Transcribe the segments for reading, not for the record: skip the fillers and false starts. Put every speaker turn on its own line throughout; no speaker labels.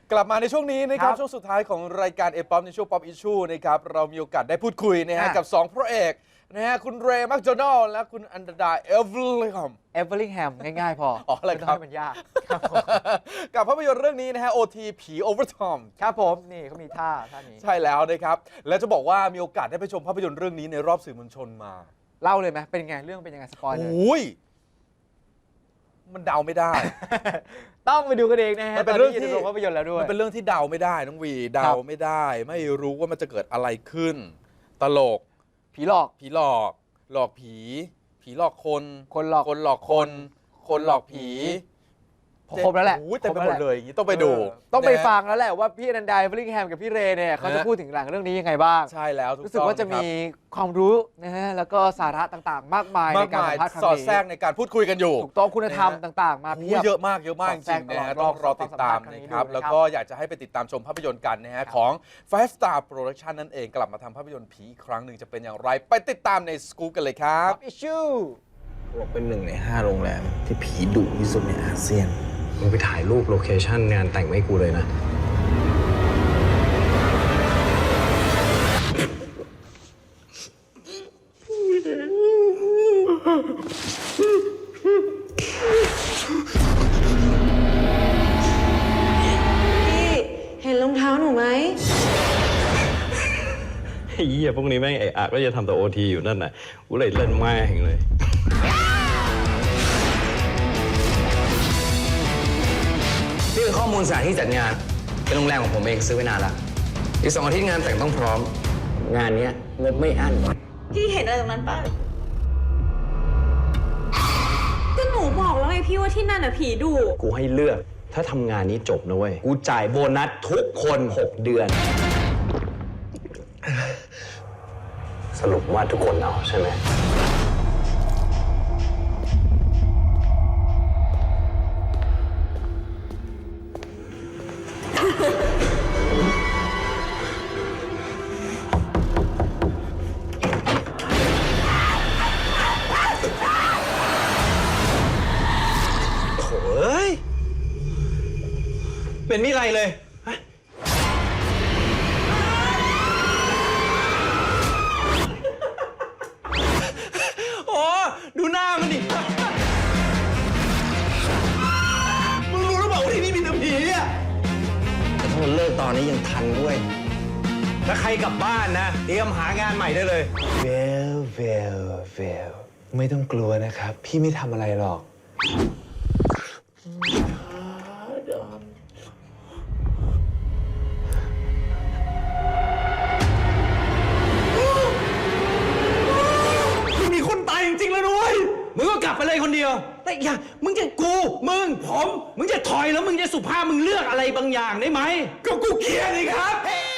กลับมาในช่วงนี้นะครับ
ครับ
ช่วงสุดท้ายของรายการเอป๊อปในช่วงป๊อปอิชชูนะครับเรามีโอกาสได้พูดคุยนะฮะกับ2พระเอกนะฮะคุณเรย์แมคโดนัลและคุณอันดาเอเวอร์ลิงแฮม
เอเวอร์ลิงแฮมง่ายๆพอ
อ๋ออะไรครับ
ไม่ต้องให้มันยาก
กับภาพยนตร์เรื่องนี้นะฮะ OT ผีโอเวอร์ทอม
ครับผมนี่เขามีท่านี้
ใช่แล้วนะครับและจะบอกว่ามีโอกาสได้ไปชมภาพยนตร์เรื่องนี้ในรอบสื่อมวลชนมา
เล่าเลยไหมเป็นไงเรื่องเป็นยังไงสปอยเลย
โอ้ยมันเดาไม่ได้
ต้องไปดูกันเองนะฮะ
มันเป็นเรื่องที่
ตนนี้ยู่ในโรงภาพยนตร์แล้วด้วย
มันเป็นเรื่องที่เดาไม่ได้น้องวีเดาไม่ได้ ไม่รู้ว่ามันจะเกิดอะไรขึ้น ตลก
ผีหลอก
ผีหลอกหลอกผี ผีหลอกคน
คนหลอก
คนหลอกคน คนหลอกผี
ครบแล้วแหละ
โอ้ยเต็มไปหมดเลยอย่างนี้ต้องไปดู
ต้องไป
นะฮะ
ฟังแล้วแหละว่าพี่อนันดาเอเวอร์ลิงแฮมกับพี่เรย์เนี่ยเขาจะ
ฮะ
พูดถึงหลังเรื่องนี้ยังไงบ้าง
ใช่แล้วถูก
รู้สึก
ต้อง
ว่าจะ
ครั
มี
บ
ความรู้นะฮะแล้วก็สาระต่างๆ มากมาย
มา
ใน
ก
การ
มาย
สัมภาษณ์ครั้ง
สอด
นี้
แทรกในการพูดคุยกันอยู่
ถูกต้องคุณธรรมต่างๆ มา
โอ้
เพียบ
เยอะมากจริงๆนะฮะต้องรอติดตามนะครับแล้วก็อยากจะให้ไปติดตามชมภาพยนตร์กันนะฮะของ Five Star Production นั่นเองกลับมาทำภาพยนตร์ผีอีกครั้งหนึ่งจะเป็นอย่างไร ไปติดตามในสกู๊ปกันเลยครับ
อิชชู
บอกเป็น1 ใน 5โรงแรมที่ผีดุที่สุดในอาเซียน
มึงไปถ่ายรูปโลเคชั่นงานแต่งไว้ให้กูเลยนะ
พี่เห็นรองเท้าหนูไหม
ไอ้เหี้ยพวกนี้แม่งไอ้อะก็จะทำแต่โอทีอยู่นั่นน่ะ กูเลยเล่นแม่งเลย นี่คือข้อมูลสถานที่จัดงาน เป็นโรงแรมของผมเองซื้อไว้นานละอีก2 อาทิตย์งานแต่งต้องพร้อม งานเนี้ยงบไม่อั้น
พี่เห็นอะไรตรงนั้นป่ะ ก็หนูบอกแล้วไงพี่ว่าที่นั่นน่ะผีดุ
กูให้เลือก ถ้าทำงานนี้จบนะเว้ย กูจ่ายโบนัสทุกคน6 เดือน สรุปว่าทุกคนเอาใช่ไหม โถ่เอ้ย เป็นมิไรเลยฮะโอ้ดูหน้ามันดิ มึงรู้หรือเปล่าว่าที่นี่มีแต่ผีอ่ะ
แต่ถ้ามันเลิกตอนนี้ยังทันด้วย
ถ้าใครกลับบ้านนะ เตรียมหางานใหม่ได้เลย
เวลไม่ต้องกลัวนะครับ พี่ไม่ทำอะไรหรอก
มีคนตายจริงๆแล้วด้วยมึงก็กลับไปเลยคนเดียว แต่อย่ามึงจะกู มึง ผม มึงจะถอยแล้วมึงจะสุภาพมึงเลือกอะไรบางอย่างได้ไหม ก็กูเกลียดนี่ครับ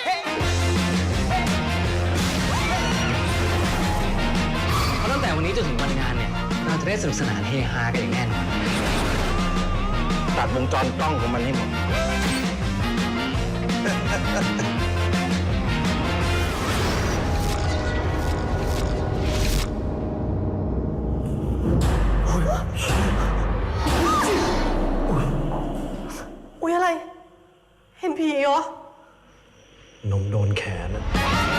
เพราะตั้งแต่วันนี้จนถึงวันงานเนี่ย เราจะได้สนุกสนานเฮฮากันอย่างแน่นอน
ตัดวงจรกล้องของมันให้หมด
อุ๊ยอะไร เห็นผีเหรอ
นมโดนแขนอะ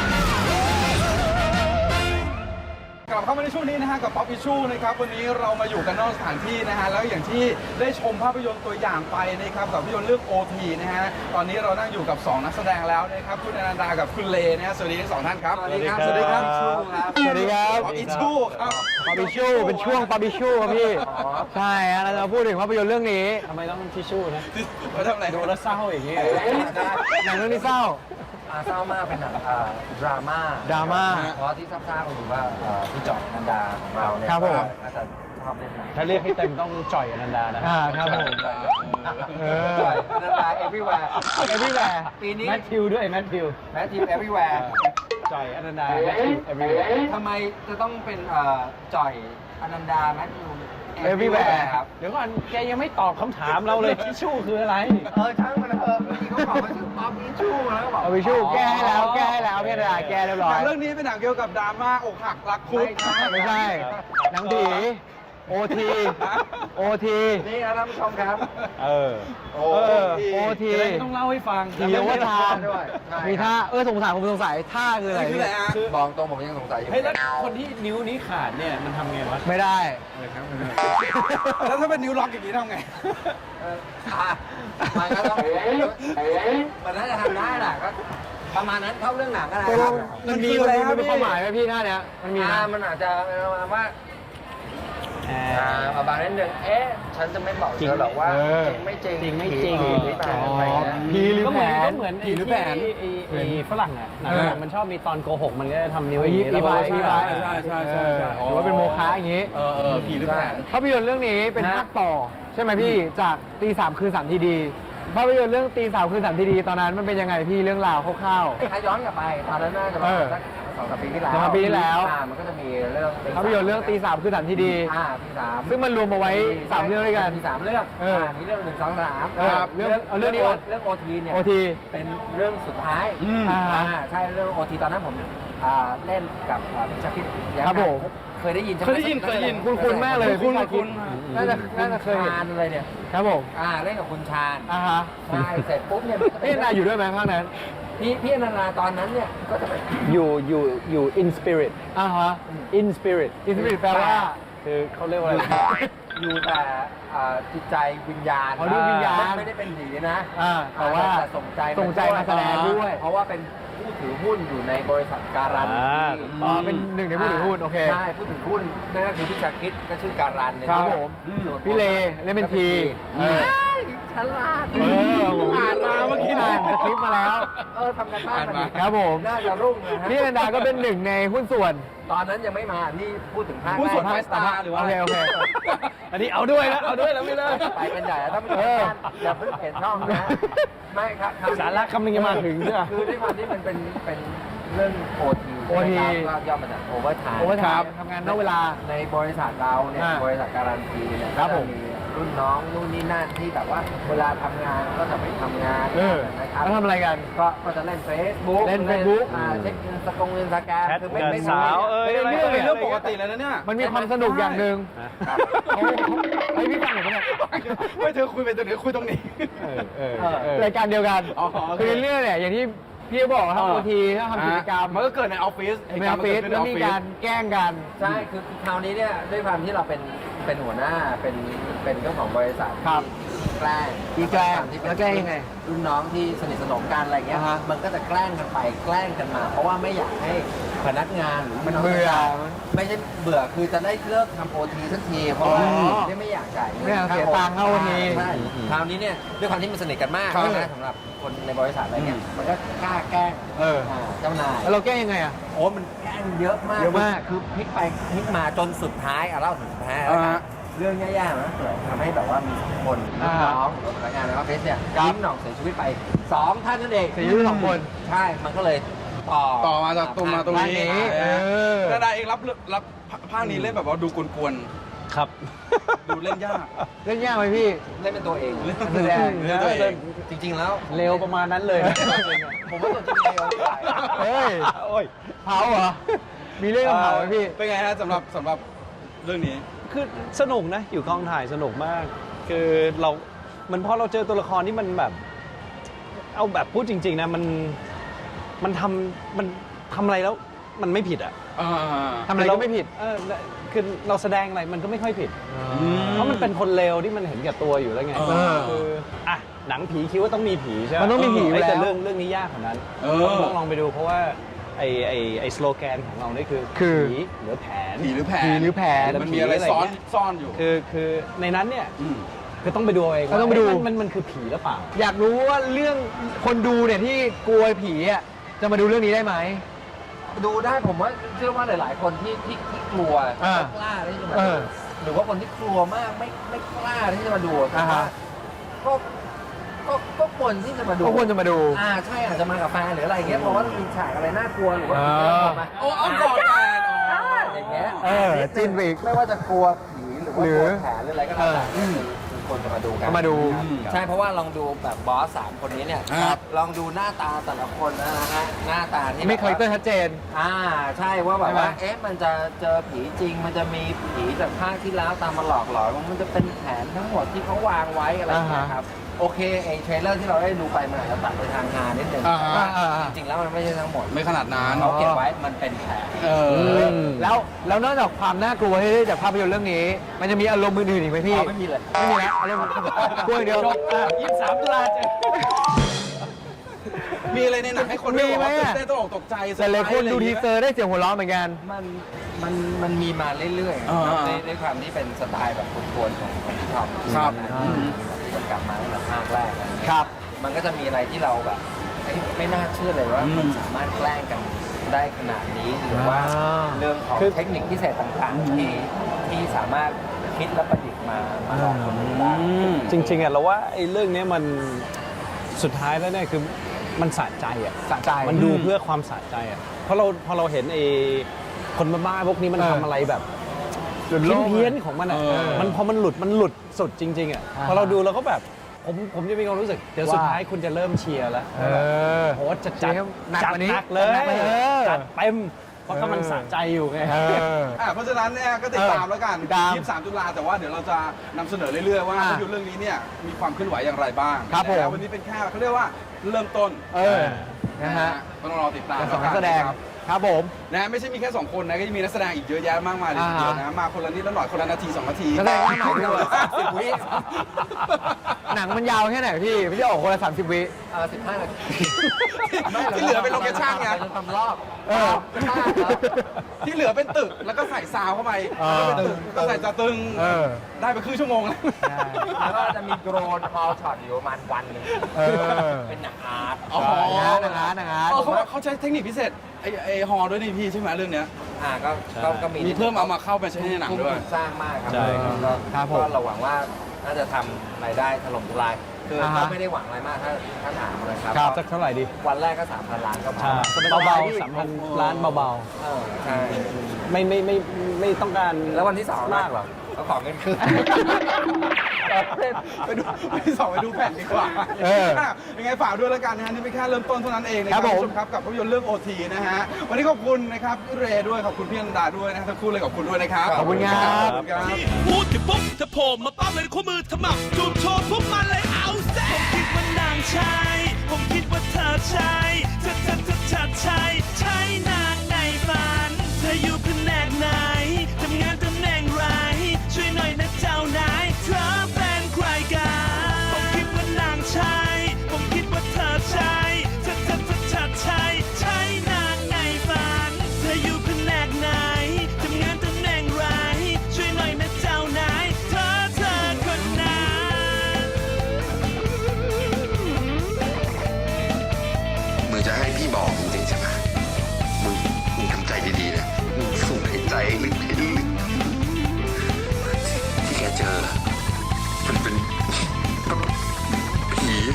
กลับเข้ามาในช่วงนี้นะฮะกับป๊อปอิชชูนะครับวันนี้เรามาอยู่กันนอกสถานที่นะฮะแล้วอย่างที่ได้ชมภาพยนตร์ตัวอย่างไปนะครับกับภาพยนตร์เรื่อง OT นะฮะตอนนี้เรานั่งอยู่กับ2นักแสดงแล้วนะครับคุณอนันดากับคุณเลนะฮะสวัสดีทั้งสองท่านครับ
สวัสดีครับ สวัสดีครับ
ป๊อปอิชชูครับ
ปาบิชูเป็นช่วงปาบิชูครับพี่ ใช่ฮะเราจะพูดถึงภาพยนตร์เรื่องนี้ทำไมต้องทิชชู่นะ
มาทำอะไร
ดูแล้วเศร้าอย่างนี้หนังเรื่องนี้เศร้า
เศร้ามากเป็นหนังดราม่า
ดราม่า
เพราะที่ทราบๆก็คือว่าพี่จอยอนันดาของเราเนี่ย
ครับผม
น่าจะชอบเล่นหนัง
ถ้าเรียกให้เต็มต้องจ่อยอนันดานะ
ครับผม
จอยอนันดา everywhere
everywhere
ปีนี้
แมทธิวด้วยแมทธิว
แมทธิว everywhere
จ่อยอนันดาแมทธิว everywhere
ทำไมจะต้องเป็นจอยอนันดาแมทธิว
everywhere
ครับ
เดี๋ยวก่อนแกยังไม่ตอบคำถามเราเลยทิชชู่คืออะไร
ช่างมันเถอะเมื่อกี้เขาบอกว่าชื่อป๊อปอิชชูแล้วก็บอก
ปาบิชูแก้ให้แล้วพี่อนันดาแก้เรียบร้
ห
อ
นั
ย
งเรื่องนี้เป็นหนังเกี่ยวกับดราม่าอกหักรักคุด
ไม่ใช่หนังผีโอที
นี่นะท่านผู้ชมครับ
เออ
โอที
โอที
จะได้ไม่ต้องเล่าให้ฟัง
ผีโอเวอร์ไทม์
ด้วยใช่
มีท่าสงสัยผมสงสัยท่าคืออะไร
นี่คืออะไรฮะ
บอกตรงผมยังสงสัยอยู่
เฮ้ยแล้วคนที่นิ้วนี้ขาดเนี่ยมันทำไงวะ
ไม่ได้
แล้วถ้าเป็นนิ้วล็อกอย่างนี้ทำไง
มันก็ต้องมันน่าจะทำได้แหละก็ประมาณนั้นเข้าเรื่องหนังอะไร
ตก
ค
ล
รับ
งมันมี
คืออะไรครับ
มันมี
พี่
ความหมายไหมพี่ท่าเนี้ยมันมีไหม
มันอาจจะประมาณว่าประมาณนั้นหนึ่งฉันจะไม่บอกเธอหรอกว่า
เออ
จริงไม่จริง
จริงไม่จริง
ผีหรือเปล่าอะไรเงี้ย
ผีหรือ
ก็
แผ
เหมือน
น
ไอ้ที่ฝรั่งอ่ะหนัง
เออ
มันชอบมีตอนโกหกมันก็จะทำนิ้ว
อี
อย่างนี้
ไบ
แล้วก็
อีไบ
ใช่
หรือว่าเป็นโมฆะอย่างงี้
ผีหรือแผน
ภาพยนตร์เรื่องนี้เป็นภาคต่อ ใช่ไหมพี่จากตีสามคืนสามทีดีภาพยนตร์เรื่องตีสามคืนสามทีดีตอนนั้นมันเป็นยังไงพี่เรื่องราวคร่าว
ถ้าย้อนกลับไปตอนนั้นน่าจะประมาณสัก2-3 ปีที่แล้ว
2-3 ปีที่แล้ว
มันก็จะมีเรื่อง
ๆภาพยนตร์เรื่องตีสามคืนสามทีดี
ที่สาม
ซึ่งมันรวมเอาไว้สามเรื่องด้วยกัน
มี3เรื่อง
เออ
มีเรื่อง1 2 3
เออเอาเรื่องนี้ก่อน
เรื่องโอทีเนี่ย
โอที
เป็นเรื่องสุดท้าย
อ่า
ใช่เรื่องโอทีตอนนั้นผมเล่นกับพิชพิษ
ครับผม
เคยได้ยินใช่ไหม
เคยได้ยิน
คุ้นๆมากเลย
คุ้น
พี่ชายคิด น่าจะเคยเห็น
ชาญเลยเนี่ย
ครับผม
เล่นกับคุณชาญ
อ่าฮะ
ใช่เสร็จปุ๊บเนี่ย
พี่นายอยู่ด้วยไหมภาคนั้น
พี่อนันดาตอนนั้นเนี่ยก็จะเป็น
อยู่ in spirit
อ่าฮะ
in spirit
อินสปิริตแปลว่า
คือเขาเรียกว่าอะไร
อยู่แต่จิตใจวิญญาณ
อ๋อดวงวิญญาณ
ไม่ได้เป็นผีนะ
แต่ว่า
ส่งใจ
ส่งใจมาแสดงด้วย
เพราะว่าเป็นผู้ถือหุ้นอยู่ในบริษัทการัน
อ๋อเป็นหนึ่งในผู้ถือหุ้นโอเค
ใช่ผู้ถือหุ้นนั่นก็คือพี่ชาคิดก็ชื่อการันเนี่ย
ครับผม
ส่วน
พี่เลเล่นเป็นที
เออฉลาด
ผมอ่านมาเมื่อกี้อ่านคลิปมาแล้ว
ทำกันบ้านมาดี
ครับผม
น่าจะรุ่งนะฮะ
พี่อนันดาก็เป็นหนึ่งในหุ้นส่วน
ตอนนั้นยังไม่มาพี่พูดถึงภาค
ผู้ส่วน
แร
ไฟ
ก
สตาร์หรือว่า
โอเค
อันนี้เอาด้วยแล้วไม่เลิก
ไปกันใหญ่แล้วถ้าไม่ถึงอย่าเพิ่งเปลี่ยนช่องนะไม่ครับ
สาระคำนึงจะมาถึงใช่ไหม
คือด้วยความที่มันเป็นเรื่องโอที
OT
ก็ย่อมาจากโอเวอร์ไทม์
โอเวอร์ไทม์ทำงานนอกเวลา
ในบริษัทเราเนี่ย
อ่า
บริษัทการันตีเนี่ย
ครับผม
ก็จะรุ่นน้องนู่นนี่นั่นที่แบบว่าเวลาทำงานก็จะไปทำงาน นะครับ
แล้วทำอะไรกัน
ก็จะเล่น Facebook
เล่น Facebook
เช็คอินสแกน
แชท
คือไม่
กับ
ไม่
สาว
ไม่
อะไร
เป็นเรื่องปกติเลยนะเนี่ย
มันมีความสนุกอย่างหนึ่ง
ครับ
เฮ้ยพี่ฟังหน่อยปะเนี่ย
ไม่เธอคุยไปตรงนี้คุยตรงนี้
รายการเดียวกัน
อ๋อโอเค
คือเรื่องเนี่ยอย่างที่พี่บอกทำโอทีถ้าทำกิจกรรม
มันก็เกิดในออฟฟิศ
ในออฟฟิศแล้วมีการแกล้งกัน
ใช่คือคราวนี้เนี่ยด้วยความที่เราเป็นหัวหน้าเป็นเจ้าของบริษัท
ครับ
แกล้ง
มีแกล้ง
ที่เป็น
แล้วแกล้งยังไง
รุ่นน้องที่สนิทสนมกันอะไรเงี้ย
อ่าฮะ
มันก็จะแกล้งกันไปแกล้งกันมา เพราะว่าไม่อยากให้พนักงานหรือมัน
เบื่อ
ไม่ใช่เบื่อคือจะได้เลิกทำโอทีสักทีเพราะว่า
อ๋อ
ไม่อยากจ่ายงิน
ไม่อยากเสียตังค์เข้าวันนี้
ใช่คราวนี้เนี่ยด้วยความที่มันสนิทกันมาก
ครับ
นะสำหรับคนในบริษัทอะไรเงี้ยมันก็กล้าแกล้ง เจ้านาย
แล้วเราแกล้งยังไงอ่ะ
โอ้มันแกล้งเยอะมาก
เยอะมาก
คือพลิกไปพลิกมาจนสุดท้ายเล่าถึงสุดท้ายแล้วกันเรื่องแย่ๆนะเกิดทำให้แบบว่ามีคน
อ่า
น้องหรือพนักงานในออฟฟิศเนี่ย
ครับ
ยิ้มหน่องเสียชีวิตไป2 ท่านนั่นเอง
เสียชีวิต2 คน
ใช่มันก็เลยต่อ
มาจากตรงมาตรงนี้
ด้านนี้
นาดาเองรับภาคนี้เล่นแบบว่าดูกวน
ครับ
ๆดูเล่นยาก
เล่นยากไหมพี่
เล่นเป็นตัวเอง
แสดง
เล่นตัวเอง
จริง ๆ แล้ว
เร็วประมาณนั้นเลย
ผมว่าตัวจริงเร็วกว่า
เฮ้ย
โอ้ย
เผาเหรอ มีเรื่องเผาไหมพี่
เป็นไงฮะสำหรับเรื่องนี้
คือสนุกนะ อยู่กองถ่ายสนุกมาก คือเรามันพอเราเจอตัวละครที่มันแบบ เอาแบบพูดจริง ๆ นะ มันทำอะไรแล้วมันไม่ผิดอ่ะ
ทำอะไรก็ไม่ผิด
คือเราแสดงอะไรมันก็ไม่ค่อยผิด เพราะมันเป็นคนเลวที่มันเห็นแก่ตัวอยู่แล้วไง
เออ
คืออ่ะหนังผีคิดว่าต้องมีผีใช่ไหม
มันต้องมีผีอยู่
แต่
แล้ว
เรื่องนี้ยากกว่านั้น
เออ
ต้องลองไปดูเพราะว่าไอ้สโลแกนของเรานี่คือ
คือ
ผีหรือแผน
ผีหรือแผน
ผีหรือแผน
มันมีอะไรซ่อนอยู่
คือในนั้นเนี่ย
ม
คือต้องไปดูเอาเอง
ต้องไปดู
ว่ามันคือผีหรือเปล่า
อยากรู้ว่าเรื่องคนดูเนี่ยที่กลัวผีอ่ะจะมาดูเรื่องนี้ได้ไหม
ดูได้ผมว่าเชื่อว่าหลาย ๆ คนที่กลัว
อ่า
ไม่กล้าที่จะมา
เอ
ดู
อ
หรือว่าคนที่กลัวมากไม่กล้าที่จะมาดูแต่
อ่า
ว่า
ฮะ
ก็ควรที่จะมาดู
ก็ควรจะมาดู
ใช่อาจจะมากับแฟนหรืออะไรเงี้ยเพราะว่ามีฉากอะไรน่ากลัวหรือว่า
อ่า
ผีน่ากลัวมา
โอ้เอาก่อนแฟนอ๋อ
อย่างเงี้ย
จิ้นไปอีก
ไม่ว่าจะกลัวผีหรือว่า
หรื
ก
อ
ลัวแผลหรืออะไรก็แล้วแต่
อืม
ถควรจะมาดูกัน
มาดู
ใช่เพราะว่าลองดูแบบบอส3คนนี้เนี่ย
ครับ
ลองดูหน้าตาแต่ละคนนะฮะหน้าตาที่
ไม่คาแรคเตอร์ชัดเจน
ใช่ว่าแบบว่า
ใช่ไหม
เอ๊ะมันจะเจอผีจริง มันจะมีผีจากภาคที่แล้วตามมาหลอกหลอนมันจะเป็นแผนทั้งหมดที่เขาวางไว้อะไรอย่างเงี้ยครับโอเคไอ้เทรลเลอร์ที่เราได้ดูไปมันอาจจะตัดไปทางงานนิดนึง
อ่าฮะ
แต่ว่าจริงๆแล้วมันไม่ใช่ทั้งหมด
ไม่ขนาดนั้น
เขาเก็บไว้มันเป็นแผน
แล้วนอกจากความน่ากลัวที่ได้จากภาพยนตร์เรื่องนี้ มันจะมีอารมณ์อื่นๆอีกไหมพี่
ไม่มีเลย
ไม่มีแล้วอารมณ์กลัวอย่างเดียว
23 ตุลาเจอ
มีอะไรในหนังให้คน
มีไหม
ตื่น
อะ
เต้นตกอกตกใจ
แต่หลายคนดูทีเซอร์ได้เสียงหัวเราะเหมือนกัน
มันมีมาเรื่อยๆครับด้วยความที่เป็นสไตล์แบบกวนๆของพี่ท็อป
ครับ
มันกลับมาตั้งแต่ภาคแรกนะครับ มันก็จะมีอะไรที่เราแบบไม่น่าเชื่อเลยว่ามันสามารถแกล้งกันได้ขนาดนี้หรือว่าเรื่องของเทคนิคพิเศษต่างๆที่สามารถคิดและประดิษฐ์มาลองคนดูได้
จริงๆอ่ะเราว่าไอ้เรื่องเนี้ยมันสุดท้ายแล้วเนี่ยคือมันสะใจอ่ะ
สะใจ
มันดูเพื่อความสะใจอ่ะเพราะพอเราเห็นไอ้คนบ้าๆพวกนี้มันทำอะไรแบบเพี้ยนๆของมันอ่ะมันพอมันหลุดสุดจริงๆอ่ะพอเราดูเราก็แบบผมจะมีความรู้สึกเดี๋ยวสุดท้ายคุณจะเริ่มเชียร์แล้วโอ้จะจัด
หนักกว่านี้
หนักเลย
หนักเลย
จัดเต็มเพราะก็มันสะใจอยู่ไง
เพราะฉะนั้นเนี่ยก็ติดตามแล้วกัน
ติดตาม
23 ตุลาแต่ว่าเดี๋ยวเราจะนำเสนอเรื่อยๆว่าภาพยนตร์เรื่องนี้เนี่ยมีความเคลื่อนไหวอย่างไรบ้าง
ครับผม
นะวันนี้เป็นแค่เขาเรียกว่าเริ่มต้น
นะฮะ
ก็ต้องรอติดตาม
สองนักแสดง
ครับ
ครับผม
นะไม่ใช่มีแค่ 2 คนนะก็จะมีนักแสดงอีกเยอะแยะมากมายเลยทีเดียวนะมาคนละนิดละหน่อยคนละนาที 2 นาที
นักแสดงหน้าใหม่ด้วย
10 วิ
หนังมันยาวแค่ไหนพี่พี่จะออกคนละ30 วิ
15 นาที
ที่เหลือเป็นโลเคชั่นไง
เราจะทำรอบ
ที่เหลือเป็นตึกแล้วก็ใส่ซาวเข้าไปแล้วเป็นตึกก็ใส่จะตึงได้ไปครึ่งชั่วโมงแล้ว
แล้วก็จะมีโดรนพอช็อตอยู่ประมาณวันหนึงเป็นหนังอาร์ต
อ๋อ
หนังอาร์ต
เขาใช้เทคนิคพิเศษไอฮอด้วยนี่พี่ใช่ไหมเรื่องเนี้ย
ก็มี
มีเพิ่มเอามาเข้าไปใช้ในหนังด้วย
สร้างมากครับ
ใช่ครับ
ครับผม
ก็เราหวังว่าน่าจะทำรายได้ถล่มทลายคือเขาไม่ได้หวังอะไรมากถ้าถามนะครับ
สักเท่าไหร่ดี
วันแรกก็ 3,000 ล้านก็พอ
ใช่เบาๆ3,000 ล้านเบา
ใช่
ๆไม่ต้องการ
แล้ววันที่สอง
มากหรอก
ก็ขอเงินคืน
ไปดูแผ่นดีกว่ายังไงฝากด้วยแล้วกันนะฮะนี่เป็นแค่เริ่มต้นเท่านั้นเองนะครับคุณผู้ชมครับกับภาพยนตร์เรื่อง OT นะฮะวันนี้ขอบคุณนะครับพี่เรย์ด้วยขอบคุณพี่อันดาด้วยนะทั้งคู่เลยขอบคุณด้วยนะครับ
ขอบคุณครับ
ขอบคุณครับ
พูดถึงปุ๊บถ้าโผล่มาปั๊บเลยคู่มือถมับจูบโชว์พวกมันเลยเอาแซ่ผมคิดว่านางใช่ผมคิดว่าเธอใช่เธอใช่ใช่นางในฝันเธออยู่แผนกไหนทำงานตำแหน่งไรช่วยหน่อยนะเจ้านายเธอเป็นใครกันผมคิดว่านางใช่ผมคิดว่าเธอใช่เธอใช่ใช่นางในฝันเธออยู่แผนกไหนทำงานตำแหน่งไรช่วยหน่อยนะเจ้านายเธอคนนั้น
มึงจะให้พี่บอกจริงๆใช่ไหมมึงทำใจดีๆนะ มึงสูดหายใจลึกให้ลึกที่แกเจอ มันเป็นผี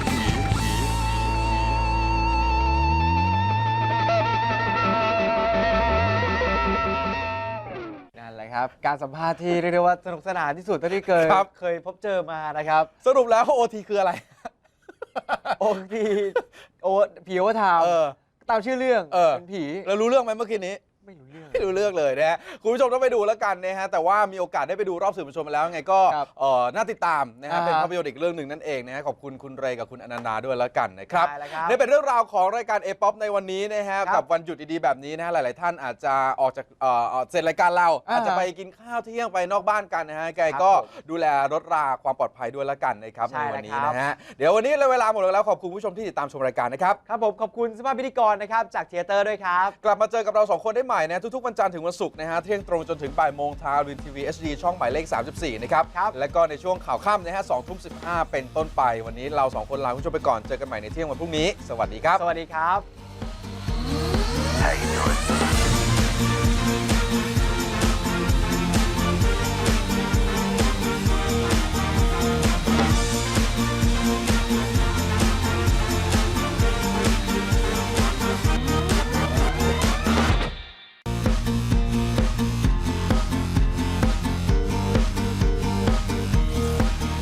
นั่นแหละครับ การสัมภาษณ์ที่เรียกได้ว่าสนุกสนานที่สุดเท่าที่เคยพบเจอมานะครับ
สรุปแล้ว OT คืออะไร
โอทีผีโอเวอร์ไทม์ตามชื่อเรื่องเป็นผี
เรารู้เรื่องไหมเมื่อกี้นี้
ไม่รู้เรื่อง
ไม่รู้เรื่องเลยนะฮะคุณผู้ชมต้องไปดูแล้วกันนะฮะแต่ว่ามีโอกาสได้ไปดูรอบสื่อมวลชนมาแล้วไงก็
ครับ
น่าติดตามนะฮะ
อ่าฮะ
เป็นภาพยนตร์อีกเรื่องหนึ่งนั่นเองนะฮะขอบคุณคุณเรย์กับคุณอนันดาด้วยแล้วกันนะครับ
ได้แล้วครับ
นี่เป็นเรื่องราวของรายการ A-POP ในวันนี้นะฮะ
ครับ
กับวันหยุดดีๆแบบนี้นะฮะหลายๆท่านอาจจะออกจากเสร็จรายการเรา
อ่า
อาจจะไปกินข้าวเที่ยงไปนอกบ้านกันนะฮะแกก็
ครับผม
ดูแลรถราความปลอดภัยด้วยแล้วกันนะครับ
ใช่
ในวันนี้
แล้วครับ
นะฮะเดี๋ยววันนี้เวลาหมดแล้วขอบคุณผู้ชมที่ติดตามชมรายการนะครับ
ครับผมขอบคุณสภาพพิธีกรนะครับจากเทเตอร์ด้วยครับ
กลับมาเจอกับเรา 2 คนได้ใหม่นะทุกๆวันจันทร์ถึงวันศุกร์นะฮะเที่ยงตรงจนถึงบ่ายโมงทางวินทีวี HD ช่องหมายเลข 34 นะครับ
ครับ
และก็ในช่วงข่าวค่ำนะฮะ2 ทุ่ม 15 เป็นต้นไป วันนี้เรา 2 คนลาคุณผู้ชมไปก่อนเจอกันใหม่ในเที่ยงวันพรุ่งนี้ สวัสดีครับ
สวัสดีครับ
How you doing?